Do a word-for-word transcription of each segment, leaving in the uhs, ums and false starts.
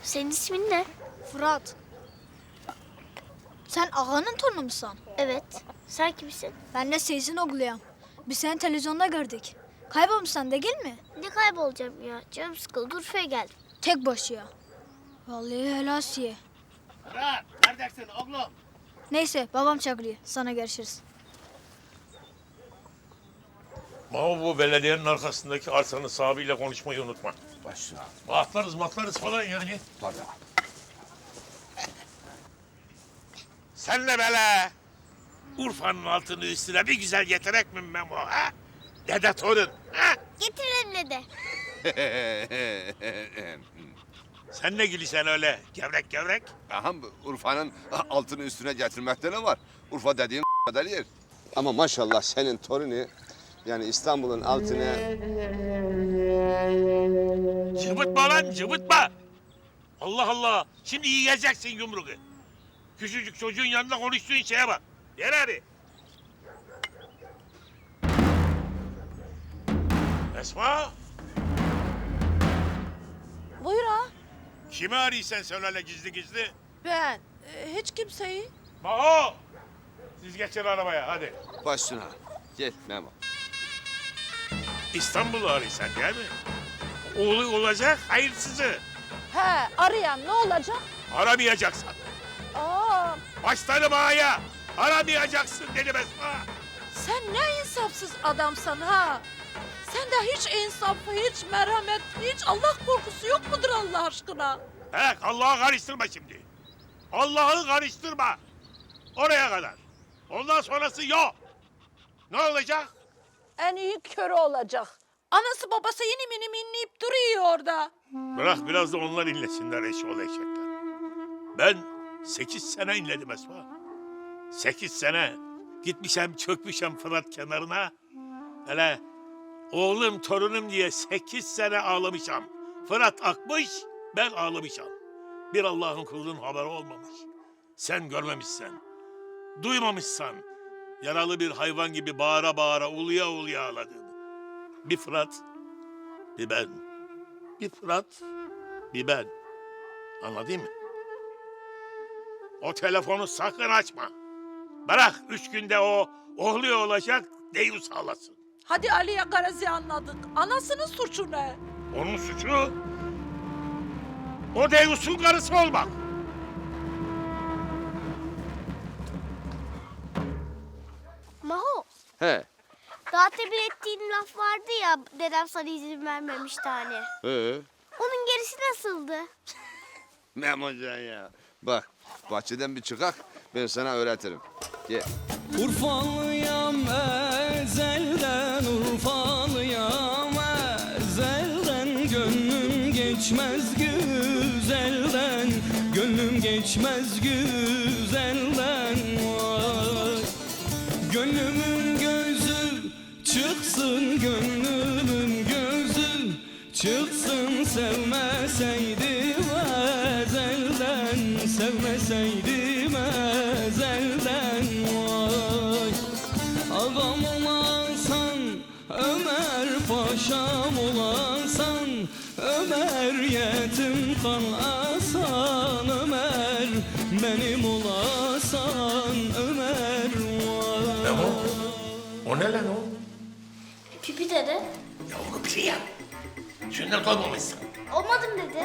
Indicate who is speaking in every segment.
Speaker 1: Senin ismin ne?
Speaker 2: Fırat. Sen ağanın torunu musun?
Speaker 1: Evet. Sen kimsin?
Speaker 2: Ben de Seyis'in oğluyum. Biz seni televizyonda gördük. Kaybolmuşsan değil mi?
Speaker 1: Ne kaybolacağım ya? Canım sıkıldı. Urfa'ya geldim.
Speaker 2: Tek başıya. Vallahi helasiye.
Speaker 3: Fırat, neredesin oğlum?
Speaker 2: Neyse babam çağırıyor. Sana görüşürüz.
Speaker 4: Ama bu belediyenin arkasındaki arsanın sahibiyle konuşmayı unutma.
Speaker 3: Başla.
Speaker 4: Atlarız matlarız falan yani.
Speaker 3: Tabii.
Speaker 4: Sen de böyle Urfa'nın altını üstüne bir güzel getirek mi Memo ha? Dede torun ha?
Speaker 1: Getirelim dede.
Speaker 4: Sen ne gülüşen öyle gevrek gevrek?
Speaker 3: Aha, Urfa'nın altını üstüne getirmekte ne var? Urfa dediğin kadar yer. Ama maşallah senin torunu yani İstanbul'un altına...
Speaker 4: Cıvıtma lan cıvıtma. Allah Allah. Şimdi yiyeceksin yumruğu. Küçücük çocuğun yanında konuştuğun şeye bak. Yer hadi. Esma.
Speaker 5: Buyur ha.
Speaker 4: Kimi arıyorsun sen öyle gizli gizli?
Speaker 5: Ben e, hiç kimseyi.
Speaker 4: Maho. Siz geçin arabaya hadi.
Speaker 3: Başına. Gel Memo.
Speaker 4: İstanbul'u arıyorsun değil mi? Oğlu olacak hayırsızı.
Speaker 5: He arayan ne olacak?
Speaker 4: Aramayacaksın.
Speaker 5: Aa,
Speaker 4: Başlarım ağaya. Aramayacaksın dedim Esma.
Speaker 5: sen ne insafsız adamsın ha. Sende hiç insaf, hiç merhamet, hiç Allah korkusu yok mudur Allah aşkına?
Speaker 4: He Allah'ı karıştırma şimdi. Allah'ı karıştırma. Oraya kadar. Ondan sonrası yok. Ne olacak?
Speaker 5: En iyi körü olacak. Anası babası inim inim inleyip duruyor orada.
Speaker 4: Bırak biraz da onlar inlesinler eşoğlu eşekler. Ben sekiz sene inledim Esma. Sekiz sene. Gitmişem çökmüşem Fırat kenarına. Hele oğlum torunum diye sekiz sene ağlamışam. Fırat akmış, ben ağlamışam. Bir Allah'ın kulunun haberi olmamış. Sen görmemişsen, duymamışsan, yaralı bir hayvan gibi bağıra bağıra uluya uluya ağladığını. Bir Fırat, bir ben. Bir Fırat, bir ben. Anladın mı? O telefonu sakın açma. Bırak üç günde o oğlu olacak deyus ağlasın.
Speaker 5: Hadi Ali'ye Garazi anladık. Anasının suçu ne?
Speaker 4: Onun suçu o deyusun karısı olmak.
Speaker 1: Maho.
Speaker 3: He.
Speaker 1: Daha temin ettiğin laf vardı ya. Dedem sana izin vermemişti hani.
Speaker 3: He.
Speaker 1: Onun gerisi nasıldı?
Speaker 3: Memocan ya. Bak bahçeden bir çıkak ben sana öğretirim. Gel.
Speaker 6: Urfalıyam ezelden, Urfalıyam ezelden. Gönlüm geçmez güzelden, gönlüm geçmez güzelden. Vay. Gönlümün gözü çıksın, gönlümün gözü çıksın. Sevmeseydim ezelden, sevmeseydim ezelden. Vay. Ağam olasan, Ömer paşam olasan, Ömer yetim kalasan, Ömer benim olasan, Ömer. Vay.
Speaker 4: Ne o? O ne lan o?
Speaker 1: Pipi dede.
Speaker 4: Ya o bir şey yap. Sünnet olmamışsın.
Speaker 1: Olmadım dede.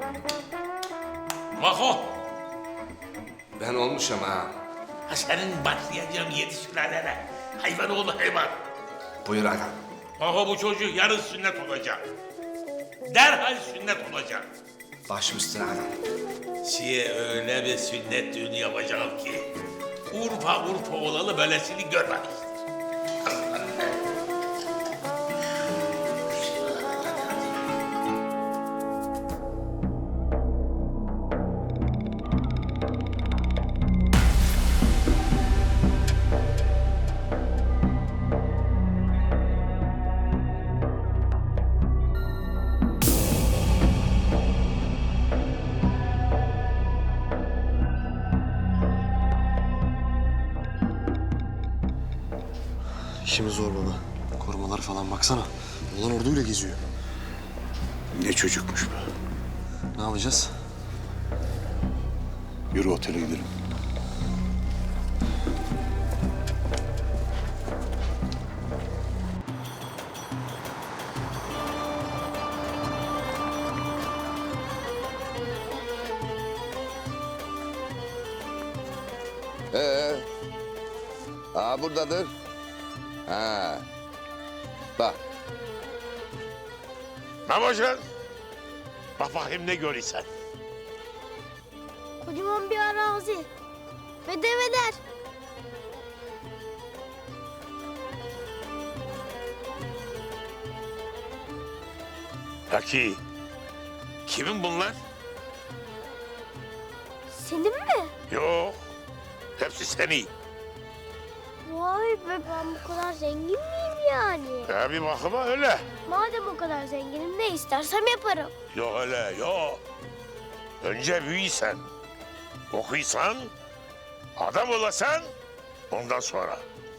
Speaker 4: Maho.
Speaker 3: Ben olmuşum ha.
Speaker 4: Ha senin başlayacağım yedi sülalene. Hayvan oğlu hayvan.
Speaker 3: Buyur adam.
Speaker 4: Maho bu çocuk yarın sünnet olacak. Derhal sünnet olacak.
Speaker 3: Başım üstüne adam.
Speaker 4: Size öyle bir sünnet düğünü yapacağım ki Urfa Urfa olalı böylesini görmemiş.
Speaker 7: İşimiz zor baba. Korumalar falan baksana. Ulan orduyla geziyor.
Speaker 3: Ne çocukmuş bu.
Speaker 7: Ne yapacağız?
Speaker 4: Yürü otele gidelim.
Speaker 3: Ee, aa buradadır. Ha. Bak.
Speaker 4: Memocan. Bak bakayım ne görürsen.
Speaker 1: Kocaman bir arazi. Ve develer.
Speaker 4: Peki kimin bunlar?
Speaker 1: Senin mi?
Speaker 4: Yok. Hepsi senin.
Speaker 1: Vay be, ben bu kadar zengin miyim yani?
Speaker 4: Ya bir bakıma öyle.
Speaker 1: Madem o kadar zenginim, ne istersem yaparım.
Speaker 4: Yok öyle yok. Önce büyüysen, okuysan, adam olasan ondan sonra.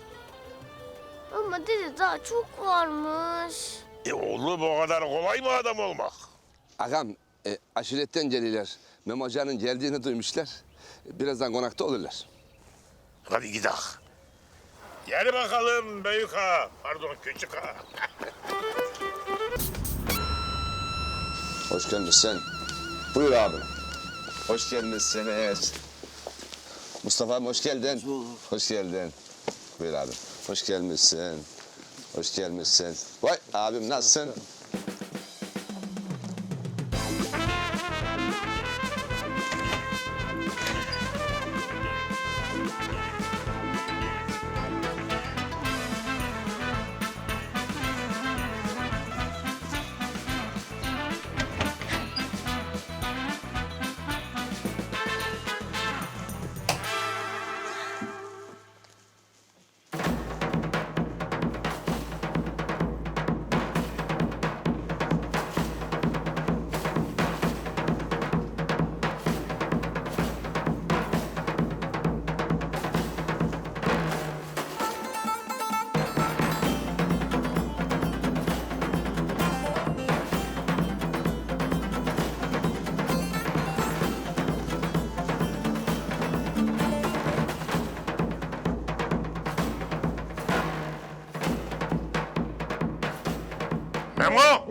Speaker 1: Ama dede daha çok varmış.
Speaker 4: E oğlum o kadar kolay mı adam olmak?
Speaker 3: Ağam, e, aşiretten geliler. Memocanın geldiğini duymuşlar. Birazdan konakta olurlar.
Speaker 4: Hadi gidelim. Gel bakalım büyük ağa, pardon küçük ağa.
Speaker 3: Hoş gelmişsin. Buyur abi. Hoş gelmişsiniz. Mustafa abi hoş geldin. Hoş geldin. Buyur abi. Hoş gelmişsin. Hoş gelmişsin. Vay abim nasılsın?
Speaker 4: Memo!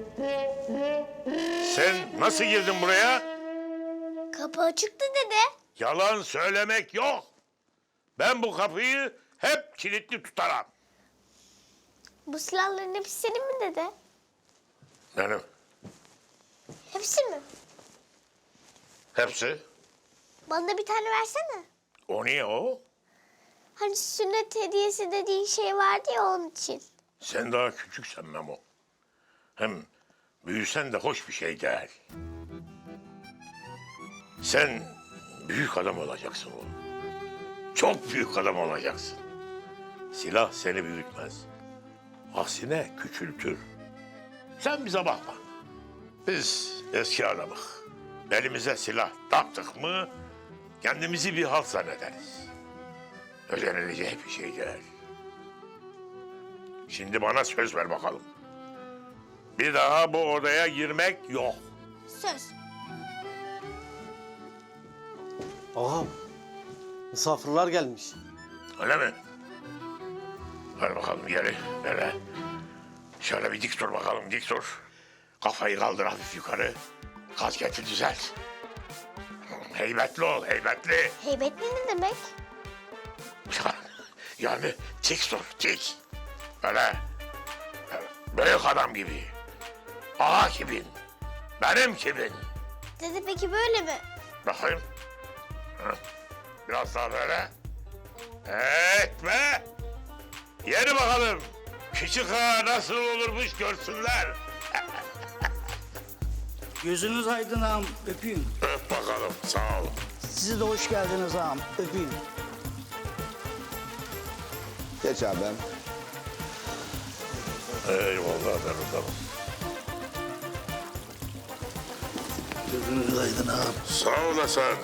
Speaker 4: Sen nasıl girdin buraya?
Speaker 1: Kapı açıktı dede.
Speaker 4: Yalan söylemek yok. Ben bu kapıyı hep kilitli tutarım.
Speaker 1: Bu silahların hepsi senin mi dede?
Speaker 4: Benim.
Speaker 1: Hepsi mi?
Speaker 4: Hepsi.
Speaker 1: Bana da bir tane versene.
Speaker 4: O niye o?
Speaker 1: Hani sünnet hediyesi dediğin şey vardı ya, onun için.
Speaker 4: Sen daha küçüksen Memo. Hem büyüsen de hoş bir şey değil. Sen büyük adam olacaksın oğlum. Çok büyük adam olacaksın. Silah seni büyütmez. Aksine küçültür. Sen bize bakma. Biz eski adamız. Elimize silah taktık mı kendimizi bir halt zannederiz. Öğrenilecek bir şey değil. Şimdi bana söz ver bakalım. Bir daha bu odaya girmek yok.
Speaker 1: Söz.
Speaker 7: Ağam, misafirler gelmiş.
Speaker 4: Öyle mi? Hadi bakalım geri. Böyle. Şöyle bir dik dur bakalım, dik dur. Kafayı kaldır hafif yukarı. Kasketi düzelt. Heybetli ol, heybetli.
Speaker 1: Heybetli ne demek?
Speaker 4: Yani dik dur, dik. Böyle. Büyük adam gibi. Ağa gibin. Benim gibin.
Speaker 1: Dede peki böyle mi?
Speaker 4: Bakayım. Hı. Biraz daha böyle. Evet be. Yeni bakalım. Küçük ağa nasıl olurmuş görsünler.
Speaker 8: Gözünüz aydın ağam, öpeyim.
Speaker 4: Öp bakalım, sağ ol.
Speaker 8: Sizi de hoş geldiniz ağam, öpeyim.
Speaker 3: Geç abim.
Speaker 4: Eyvallah benim adamım.
Speaker 8: Gözünüz aydın ağam.
Speaker 4: Sağ olasın.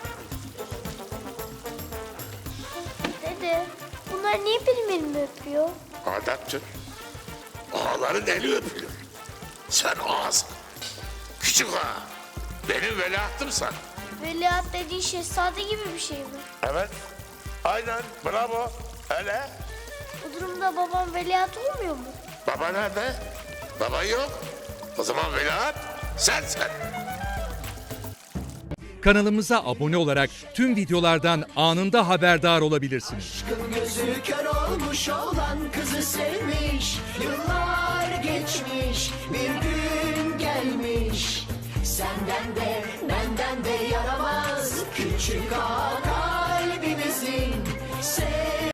Speaker 1: Dede, bunlar niye benim elimi öpüyor?
Speaker 4: Adaptır. Ağaların eli öpülür. Sen ağasın. Küçük ağa. Benim veliahtımsan.
Speaker 1: Veliaht dediğin şehzade gibi bir şey mi?
Speaker 4: Evet. Aynen. Bravo. Hele.
Speaker 1: Bu durumda babam veliaht olmuyor mu?
Speaker 4: Baba nerede? Baba yok. O zaman veliaht sensin.
Speaker 9: Kanalımıza abone olarak tüm videolardan anında haberdar olabilirsiniz.
Speaker 10: Gözü kör olmuş olan kızı sevmiş. Yıllar geçmiş, bir gün gelmiş. Senden de benden de yaramaz küçük ağa kalbimizin.